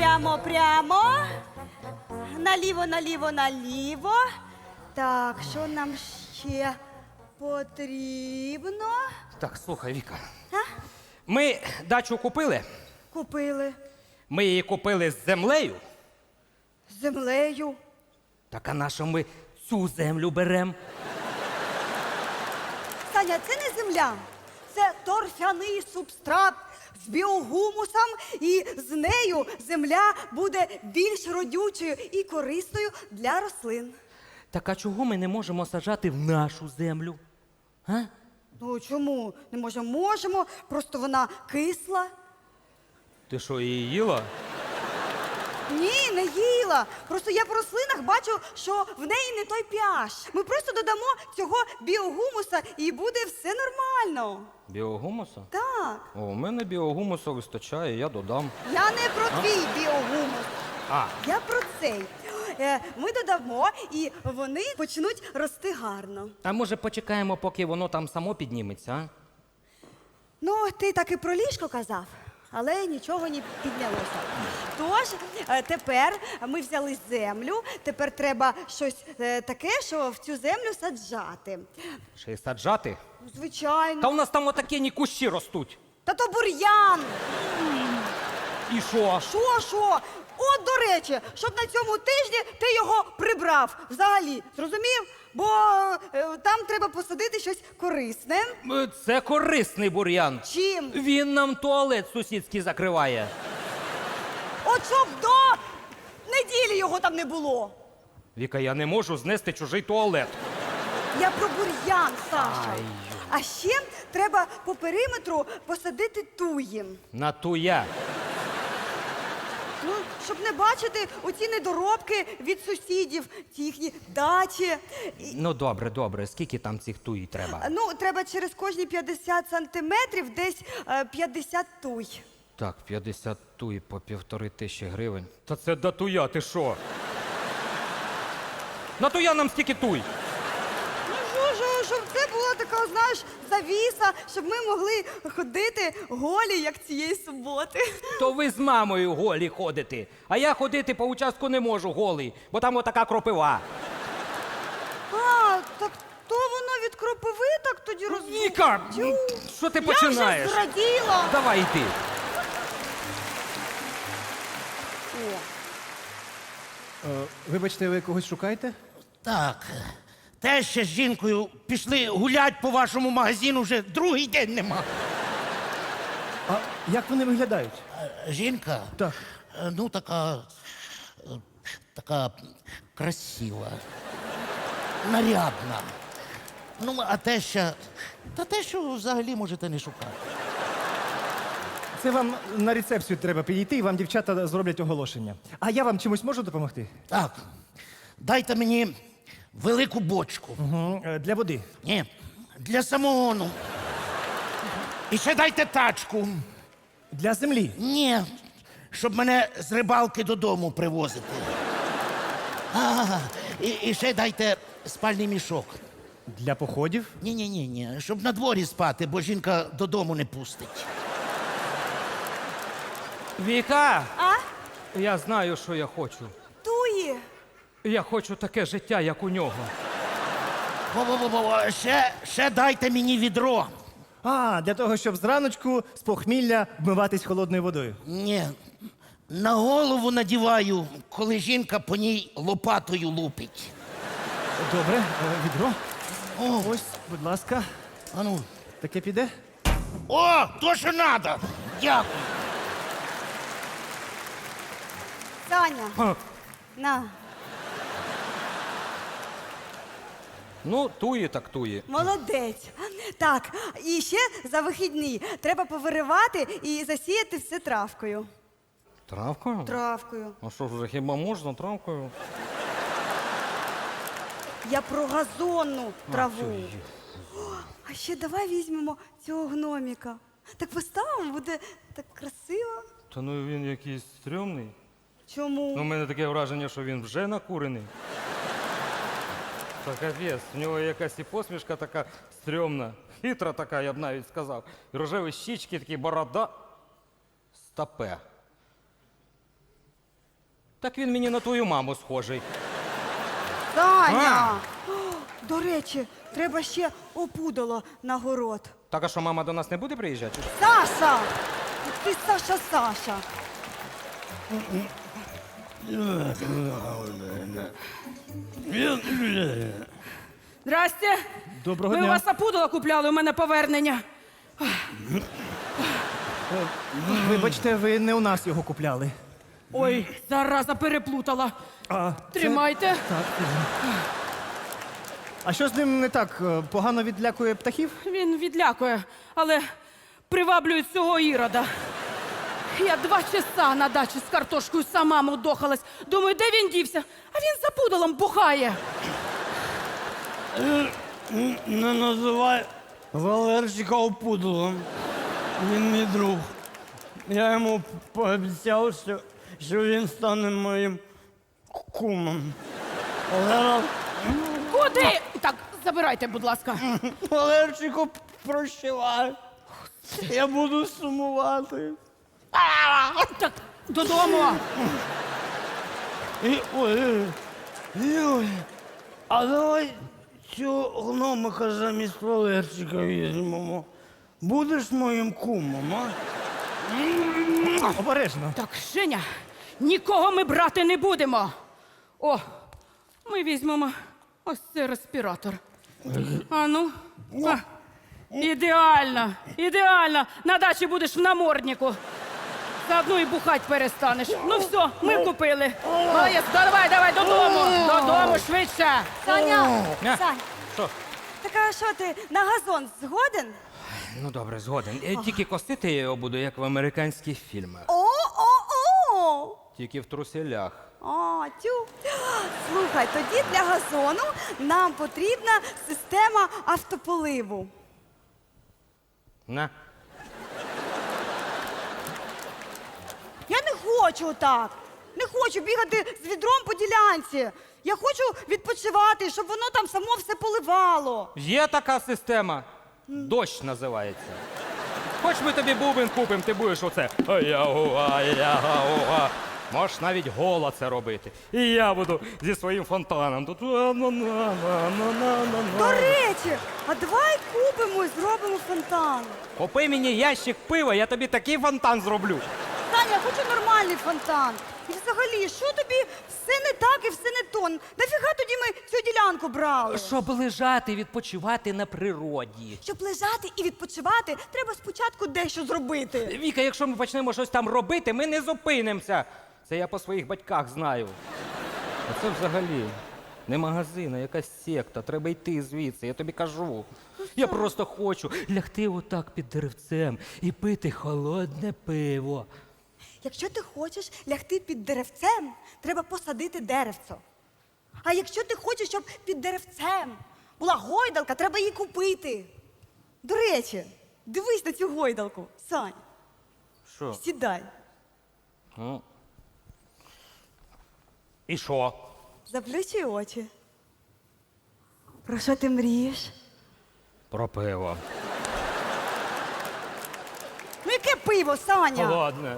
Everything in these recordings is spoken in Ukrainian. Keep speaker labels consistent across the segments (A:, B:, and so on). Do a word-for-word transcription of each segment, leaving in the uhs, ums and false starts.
A: прямо, прямо. Наліво, наліво, наліво. Так, що нам ще потрібно?
B: Так, слухай, Віка.
A: А?
B: Ми дачу купили.
A: Купили
B: Ми її купили з землею.
A: з землею.
B: Так а на що ми цю землю беремо?
A: Саня, це не земля. Це торфяний субстрат з біогумусом, і з нею земля буде більш родючою і корисною для рослин.
B: Так а чого ми не можемо саджати в нашу землю? А?
A: Ну чому? Не можемо? Можемо, просто вона кисла.
B: Ти що, її їла?
A: Ні, не їла. Просто я по рослинах бачу, що в неї не той pH. Ми просто додамо цього біогумуса і буде все нормально.
B: Біогумуса?
A: Так.
B: О, у мене біогумусу вистачає, я додам.
A: Я не про твій біогумус.
B: А,
A: Я про цей. Е, Ми додамо, і вони почнуть рости гарно.
B: а може почекаємо, поки воно там само підніметься, а?
A: Ну, ти так і про ліжко казав, але нічого не піднялося. Тож, е, тепер ми взяли землю, тепер треба щось е, таке, що в цю землю саджати.
B: Ще й саджати?
A: Ну, звичайно.
B: Та у нас там отакі кущі ростуть.
A: Та то бур'ян!
B: І що?
A: Що, що? От, до речі, щоб на цьому тижні ти його прибрав взагалі, зрозумів? Бо е, там треба посадити щось корисне.
B: Е, Це корисний бур'ян.
A: Чим?
B: Він нам туалет сусідський закриває.
A: От щоб до неділі його там не було.
B: Віка, я не можу знести чужий туалет.
A: Я про бур'ян, Саша.
B: Ай.
A: А ще треба по периметру посадити туї.
B: На туя.
A: Ну, щоб не бачити оці недоробки від сусідів, ті їхні дачі. І,
B: Ну добре, добре. Скільки там цих туї треба?
A: ну, треба через кожні п'ятдесят сантиметрів десь е, п'ятдесят туй.
B: Так, п'ятдесят туї по півтори тисячі гривень. Та це до туя, ти що? На туя нам стільки туй.
A: Ну, що, що, щоб це була така, знаєш, завіса, щоб ми могли ходити голі, як цієї суботи.
B: То ви з мамою голі ходите, а я ходити по участку не можу голий, бо там отака кропива.
A: А, так то воно від кропиви так тоді розвивається.
B: Віка, ну, що ти починаєш?
A: Я вже зраділа.
B: Давай йди.
A: О,
C: Е, Вибачте, ви когось шукаєте?
D: Так, те ще з жінкою пішли гулять по вашому магазину, вже другий день нема.
C: А як вони виглядають?
D: Е, Жінка?
C: Так.
D: Е, Ну, така. е, така красива. Нарядна. Ну, а те ще. Та те, що взагалі можете не шукати.
C: Це вам на рецепцію треба підійти, і вам дівчата зроблять оголошення. А я вам чимось можу допомогти?
D: Так, дайте мені велику бочку.
C: Угу. Для води.
D: Ні, для самогону. І ще дайте тачку.
C: Для землі.
D: Ні, щоб мене з рибалки додому привозити. А, і, і ще дайте спальний мішок.
C: Для походів.
D: Ні, ні, ні, ні, щоб на дворі спати, бо жінка додому не пустить.
B: Віка,
A: а?
B: я знаю, що я хочу.
A: Туї.
B: Я хочу таке життя, як у нього.
D: Во-во-во, ще, ще дайте мені відро.
C: А, для того, щоб зраночку з похмілля вмиватись холодною водою.
D: Ні, на голову надіваю, коли жінка по ній лопатою лупить.
C: Добре, е, відро.
D: О,
C: Ось, будь ласка.
D: а ну.
C: Таке піде?
D: О, то, що надо. Дякую.
A: Саня,
B: Ха.
A: на.
B: Ну, туї так туї.
A: Молодець. Так, і ще за вихідні треба повиривати і засіяти все травкою.
B: Травкою?
A: Травкою.
B: А що ж, вже хіба можна травкою?
A: Я про газонну траву.
B: цю
A: А ще давай візьмемо цього гноміка. Так поставимо, буде так красиво.
B: Та ну він якийсь стрьомний.
A: Чому?
B: Ну, у мене таке враження, що він вже накурений. Та капець, в нього якась і посмішка така стрьомна, хитра така, я б навіть сказав. І рожеві щічки, такі борода. Стопе. Так він мені на твою маму схожий.
A: Саня! О, до речі, треба ще опудало на город.
B: Так, а що, мама до нас не буде приїжджати?
A: Саша! Ти Саша, Саша.
E: Здрасте.
C: Доброго
E: Ми у
C: дня.
E: вас опудало купляли, у мене повернення.
C: Вибачте, ви не у нас його купляли.
E: Ой, зараза переплутала.
C: А,
E: Тримайте.
C: а що з ним не так? Е, Погано відлякує птахів?
E: Він відлякує, але приваблює цього ірода. Я два часа на дачі з картошкою сама мудохалась. Думаю, де він дівся? А він за пудалом бухає.
F: Не називай Валерчика опудлом. Він мій друг. Я йому пообіцяв, що, що він стане моїм кумом. Валера,
E: Куди? Так, забирайте, будь ласка.
F: Валерчику, прощавай. Я буду сумувати.
E: Так, додому.
F: І, ой, ой, а давай цього гномика замість Валерчика візьмемо. Будеш моїм кумом, а?
C: Обережно.
E: Так, Женя, нікого ми брати не будемо. О, ми візьмемо ось цей респіратор. А ну. А, ідеально, ідеально. На дачі будеш в наморднику. Заодно і бухать перестанеш. Ну все, ми купили. Молодець, давай, давай, додому. Додому, швидше.
A: Саня!
B: А?
A: Сань,
B: Що?
A: так а що ти на газон згоден?
B: Ну добре, згоден. Е, Тільки косити я його буду, як в американських фільмах.
A: О-о-о!
B: Тільки в труселях.
A: А, тю. Слухай, тоді для газону нам потрібна система автополиву.
B: На.
A: Я не хочу так. Не хочу бігати з відром по ділянці. Я хочу відпочивати, щоб воно там само все поливало.
B: Є така система. Дощ називається. Хоч ми тобі бубен купимо, ти будеш оце. Ая-уа, ая-уа. Можеш навіть голо це робити. І я буду зі своїм фонтаном. Тут.
A: До речі, а давай купимо і зробимо фонтан.
B: Купи мені ящик пива, я тобі такий фонтан зроблю.
A: Таня, я хочу нормальний фонтан. І взагалі, що тобі все не так і все не то? Нафіга тоді ми цю ділянку брали?
B: Щоб лежати, відпочивати на природі.
A: Щоб лежати і відпочивати, треба спочатку дещо зробити.
B: Віка, якщо ми почнемо щось там робити, ми не зупинимося. Це я по своїх батьках знаю. А це взагалі не магазин, а якась секта. Треба йти звідси, я тобі кажу. Я просто хочу лягти отак під деревцем і пити холодне пиво.
A: Якщо ти хочеш лягти під деревцем, треба посадити деревцо. А якщо ти хочеш, щоб під деревцем була гойдалка, треба її купити. До речі, дивись на цю гойдалку, Сань.
B: Що?
A: Сідай.
B: Ну. І що?
A: Заплющуй очі. Про що ти мрієш?
B: Про пиво.
A: Ну яке пиво, Саня?
B: Холодне.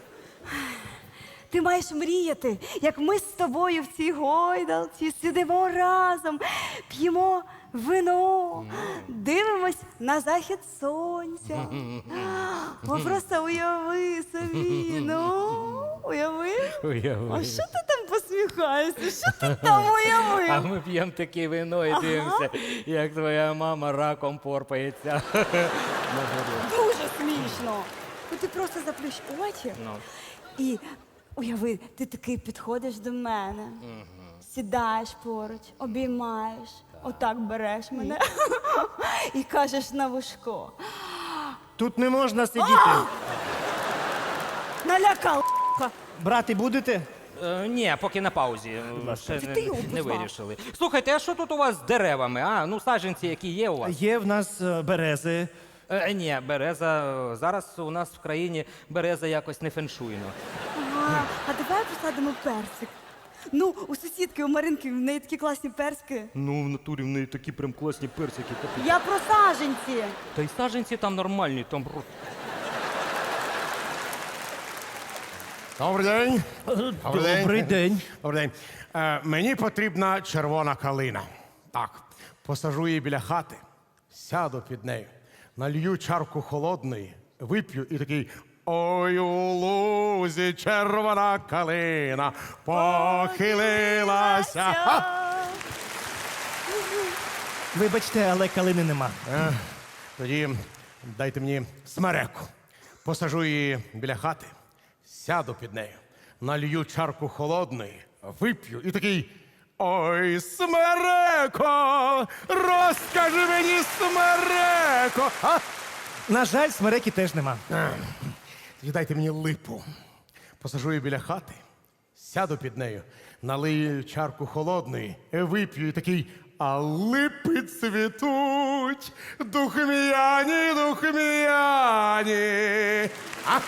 A: Ти маєш мріяти, як ми з тобою в цій гойдалці сидимо разом, п'ємо вино, дивимось на захід сонця. О, просто уяви собі, ну, уяви.
B: Уяви.
A: А що ти там посміхаєшся? Що ти там
B: А
A: уявив?
B: ми п'ємо таке вино і дивимося, як твоя мама раком порпається.
A: Дуже смішно. Ну ти просто заплющ очі
B: Ну.
A: і уяви, ти такий підходиш до мене, сідаєш поруч, обіймаєш, отак береш мене і кажеш на вушко.
C: Тут не можна сидіти.
A: Налякав.
C: Брати будете?
B: Е, ні, поки на паузі. Ще
A: Ти
B: не,
A: його
B: не
A: позвав.
B: вирішили. Слухайте, а що тут у вас з деревами? А, ну саджанці, які є у вас?
C: Є в нас е, берези.
B: Е, ні, береза. е, Зараз у нас в країні береза якось не феншуйно.
A: Ага, а давай посадимо персик. Ну, у сусідки, у Маринки, в неї такі класні персики.
B: Ну, в натурі в неї такі прям класні персики.
A: Я про саженці.
B: Та й саджанці там нормальні, там.
G: Добрий день.
C: Добрий день.
G: Добрий день. Е, мені потрібна червона калина. Так, посажу її біля хати, сяду під нею, налью чарку холодної, вип'ю і такий. Ой, у лузі червона калина похилилася. А!
C: Вибачте, але калини нема.
G: Е, тоді дайте мені смереку. Посажу її біля хати, сяду під нею, налью чарку холодної, вип'ю і такий. Ой, смереко! Розкажи мені, смереко! А?
C: На жаль, смереки теж нема.
G: Тоді дайте мені липу. Посажу її біля хати, сяду під нею, налию чарку холодної, вип'ю і такий. А липи цвітуть, духмяні, духмяні. А?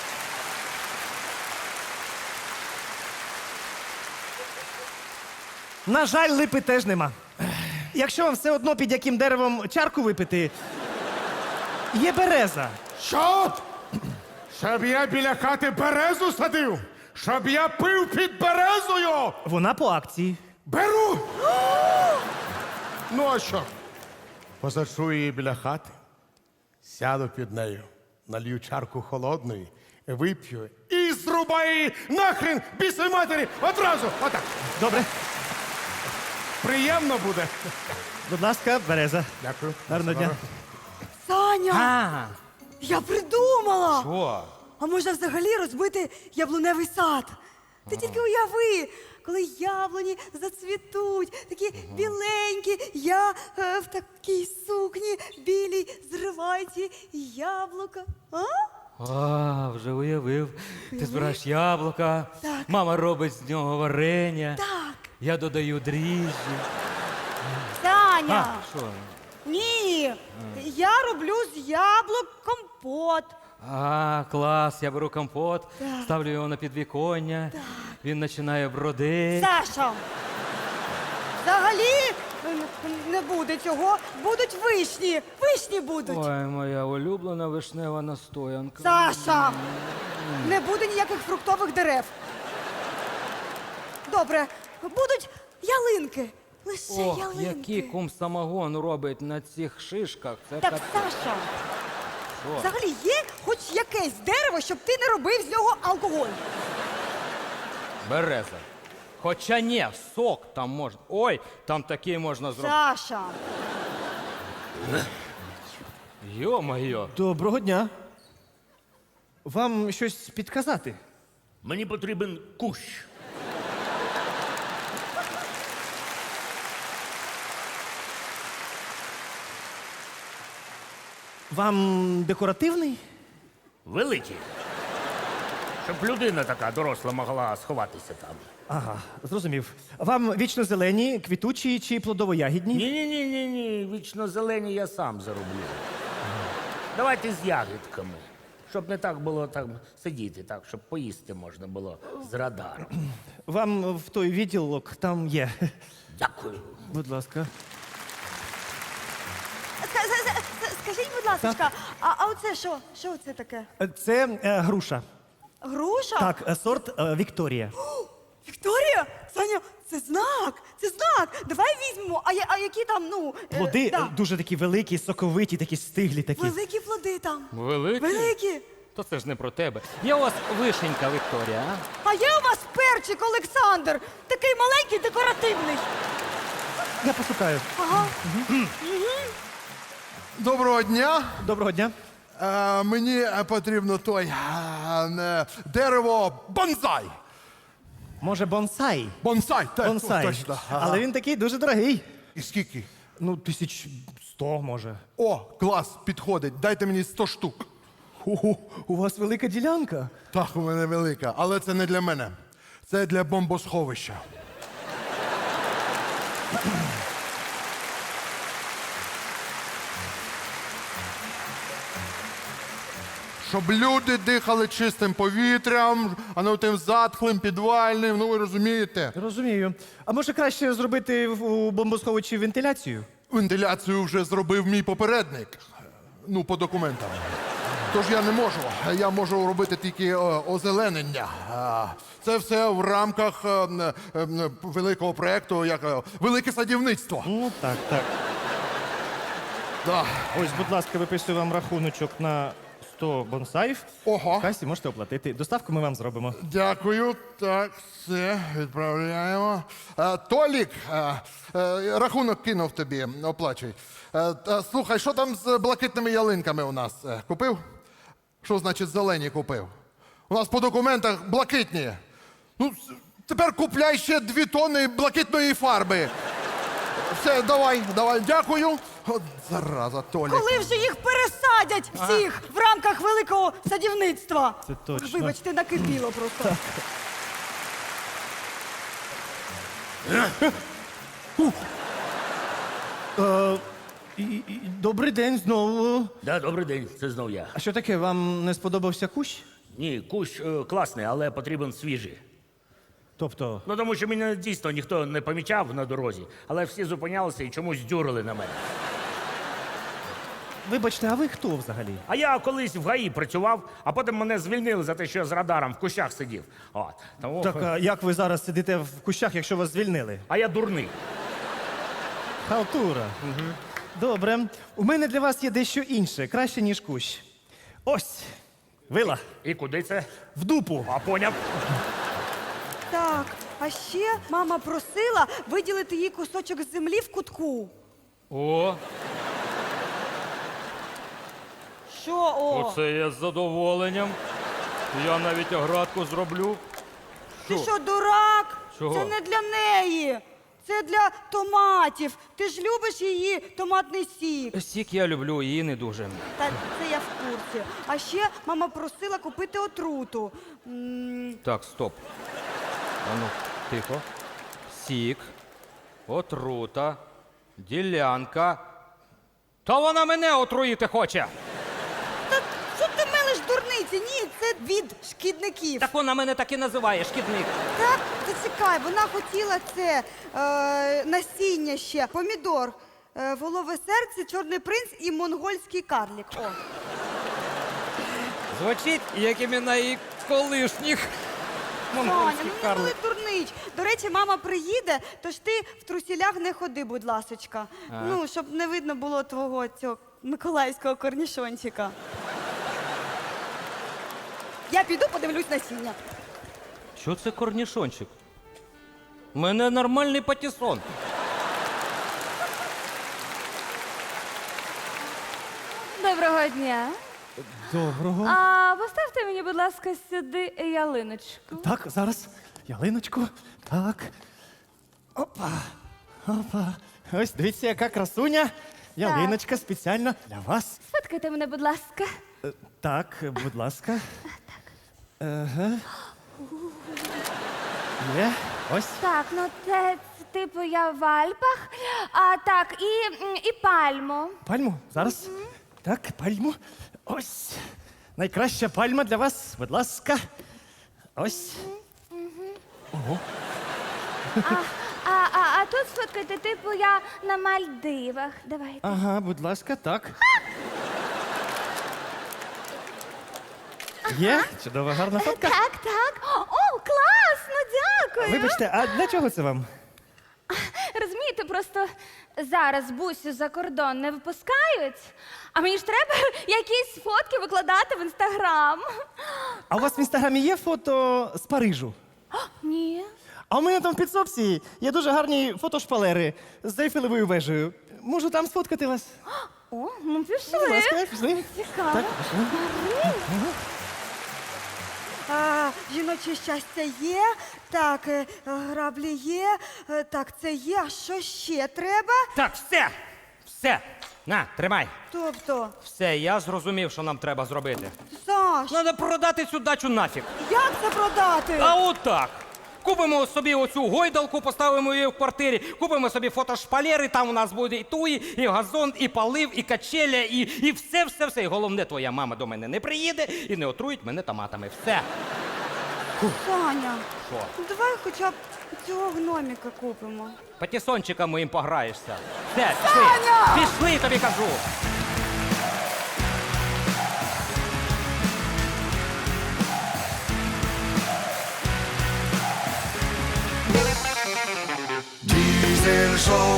C: На жаль, липи теж нема. Якщо вам все одно під яким деревом чарку випити, є береза.
G: Що? Щоб я біля хати березу садив? Щоб я пив під березою?
C: Вона по акції.
G: Беру! Ну а що? Посаджу її біля хати, сяду під нею, налью чарку холодної, вип'ю і зрубаю її нахрен бісовій матері одразу. Отак.
C: Добре.
G: Приємно буде.
C: Будь ласка, береза.
G: Дякую.
C: Гарного дня.
A: Саня,
B: А,
A: я придумала!
B: що?
A: А можна взагалі розбити яблуневий сад? Ти тільки уяви, коли яблуні зацвітуть, такі біленькі, я е, в такій сукні білій зриваю ці яблука. А?
B: А, вже уявив. Ти збираєш яблука,
A: Так.
B: мама робить з нього варення.
A: Так.
B: Я додаю дріжджі.
A: Саня!
B: А, що?
A: Ні! Я роблю з яблук компот.
B: А, клас, я беру компот, ставлю його на підвіконня, він починає бродити.
A: Саша! Взагалі н- не буде цього. Будуть вишні. Вишні будуть.
B: Ой, моя улюблена вишнева настоянка.
A: Саша! Не буде ніяких фруктових дерев. Добре, будуть ялинки. Лише
B: Ох,
A: ялинки.
B: який кум самогон робить на цих шишках. Це
A: Так,
B: капець.
A: Саша,
B: Що?
A: взагалі є хоч якесь дерево, щоб ти не робив з нього алкоголь.
B: Береза. Хоча ні, сок там можна. Ой, там такий можна зробити.
A: Саша.
B: Йо-моє.
C: Доброго дня. Вам щось підказати?
D: Мені потрібен кущ.
C: Вам декоративний?
D: Великий. Щоб людина така доросла могла сховатися там.
C: Ага, зрозумів. Вам вічно зелені, квітучі чи плодово-ягідні?
D: Ні, ні, ні, ні, ні. Вічно зелені я сам зароблю. Давайте з ягідками. Щоб не так було там сидіти, так, щоб поїсти можна було з радаром.
C: Вам в той відділок там є.
D: Дякую.
C: Будь ласка.
A: Ска- ска- ска- Скажіть, будь ласка, а, а оце що? Що це таке?
C: Це е, груша.
A: Груша?
C: Так, е, сорт е, Вікторія.
A: Вікторія? Саня, це знак, це знак. Давай візьмемо. А, я- а які там, ну. е,
C: Плоди
A: да.
C: е, дуже такі великі, соковиті, такі стиглі такі.
A: Великі плоди там.
B: Великий?
A: Великі.
B: То це ж не про тебе. Є у вас вишенька, Вікторія, а?
A: А є у вас перчик Олександр, такий маленький, декоративний.
C: Я пошукаю.
A: Ага.
H: Доброго дня.
C: Доброго дня.
H: Е, мені е, потрібно той е, е, дерево бонсай.
C: Може, бонсай?
H: Бонсай, так,
C: Бонсай.
H: точно. Ага.
C: Але він такий дуже дорогий.
H: І скільки?
C: Ну, тисяч сто, може.
H: О, клас, підходить. Дайте мені сто штук.
C: Ого, у вас велика ділянка.
H: Так, у мене велика, але це не для мене. Це для бомбосховища. Щоб люди дихали чистим повітрям, а не тим затхлим, підвальним, ну ви розумієте.
C: Розумію. А може краще зробити в- у бомбосховищі вентиляцію?
H: Вентиляцію вже зробив мій попередник. Ну, по документам. Тож я не можу. Я можу робити тільки е, озеленення. А, Це все в рамках е, е, е, великого проєкту, як е, велике садівництво.
C: Ну, так, так.
H: Да.
C: Ось, будь ласка, виписую вам рахуночок на сто бонсаїв.
H: Ого.
C: В касі можете оплатити. Доставку ми вам зробимо.
H: Дякую. Так, все, відправляємо. Е, Толік, е, е, рахунок кинув тобі, оплачуй. Е, та, слухай, що там з блакитними ялинками у нас? Е, Купив? Що значить зелені купив? У нас по документах блакитні. Ну, с- тепер купляй ще дві тони блакитної фарби. Все, давай, давай, дякую. От зараза, Толік.
A: Коли вже їх пересадять всіх в рамках великого садівництва?
C: Це точно.
A: Вибачте, накипіло просто.
C: Е, і- і- Добрий день знову.
D: Да, добрий день, це знов я.
C: А що таке, вам не сподобався кущ?
D: Ні, кущ е, класний, але потрібен свіжий.
C: Тобто,
D: Ну тому що мене дійсно ніхто не помічав на дорозі, але всі зупинялися і чомусь дюрили на мене.
C: вибачте, а ви хто взагалі?
D: А я колись в ГАІ працював, а потім мене звільнили за те, що я з радаром в кущах сидів. От. Тому...
C: Так, а як ви зараз сидите в кущах, якщо вас звільнили?
D: А я дурний.
C: Халтура. Добре. У мене для вас є дещо інше, краще, ніж кущ. Ось, вила,
D: І куди це?
C: в дупу.
D: А поняв.
A: Так, а ще мама просила виділити їй кусочок землі в кутку.
B: О,
A: Що о?
B: оце я з задоволенням. Я навіть оградку зроблю.
A: Ти що, дурак?
B: Чого?
A: Це не для неї. Це для томатів. Ти ж любиш її томатний сік.
B: Сік я люблю, її не дуже.
A: Та це я в курсі. А ще мама просила купити отруту. М,
B: Так, стоп. Ану, тихо. Сік, отрута, ділянка. Та вона мене отруїти хоче.
A: Та що ти мелиш дурниці? Ні, це від шкідників.
B: Так вона мене так і називає, шкідник.
A: Так, зачекай, вона хотіла це е, насіння ще, помідор, е, волове серце, чорний принц і монгольський карлік. О.
B: Звучить, як імена її колишніх.
A: Таня,
B: Монгольський
A: ну не
B: карлик.
A: були дурнич. До речі, мама приїде, тож ти в трусілях не ходи, будь ласочка. Ну, щоб не видно було твого цього миколаївського корнішончика. Я піду подивлюсь насіння.
B: Що це корнішончик? У мене нормальний патісон.
I: Доброго дня.
C: Доброго.
I: А поставте мені, будь ласка, сюди ялиночку.
C: Так, зараз. Ялиночку. Так. Опа. Опа. Ось дивіться, яка красуня. Ялиночка спеціально для вас.
I: Сфоткайте мене, будь ласка.
C: Е, Так, будь ласка. Ага. Є. Ось.
I: Так, ну це, це типу я в Альпах. А так, і, м, і пальму.
C: Пальму. Зараз. Так, пальму. Ось. Найкраща пальма для вас. Будь ласка. Ось.
I: А, а, а, а тут сфоткайте, типу я на Мальдивах. Давайте.
C: Ага, будь ласка, так. Є? Чудова, гарна фотка.
I: Так, так. О, класно, дякую.
C: Вибачте, а для чого це вам?
I: Розумієте, просто зараз бусю за кордон не випускають, а мені ж треба якісь фотки викладати в інстаграм.
C: А у вас в інстаграмі є фото з Парижу?
I: Ні.
C: А у мене там в підсобці є дуже гарні фотошпалери з Ейфелевою вежею. Можу там сфоткати вас?
I: О, ну пішли.
C: Будь ласка, пішли.
I: Цікаво.
C: Так, пішли.
A: А, жіноче щастя є, так, е, граблі є, е, так, це є. А що ще треба?
B: Так, все! Все! На, тримай.
A: Тобто,
B: Все, я зрозумів, що нам треба зробити.
A: Саш,
B: Треба продати цю дачу нафіг.
A: як це продати?
B: А отак. Купимо собі оцю гойдалку, поставимо її в квартирі, купимо собі фотошпалери, там у нас буде і туї, і газон, і полив, і качеля, і, і все, все, все. І головне, твоя мама до мене не приїде і не отруїть мене томатами. Все.
A: Саня,
B: Що?
A: ну давай хоча б цього гноміка купимо.
B: Патісончиком моїм пограєшся. Все, пішли. Пішли, тобі кажу.
J: прийшов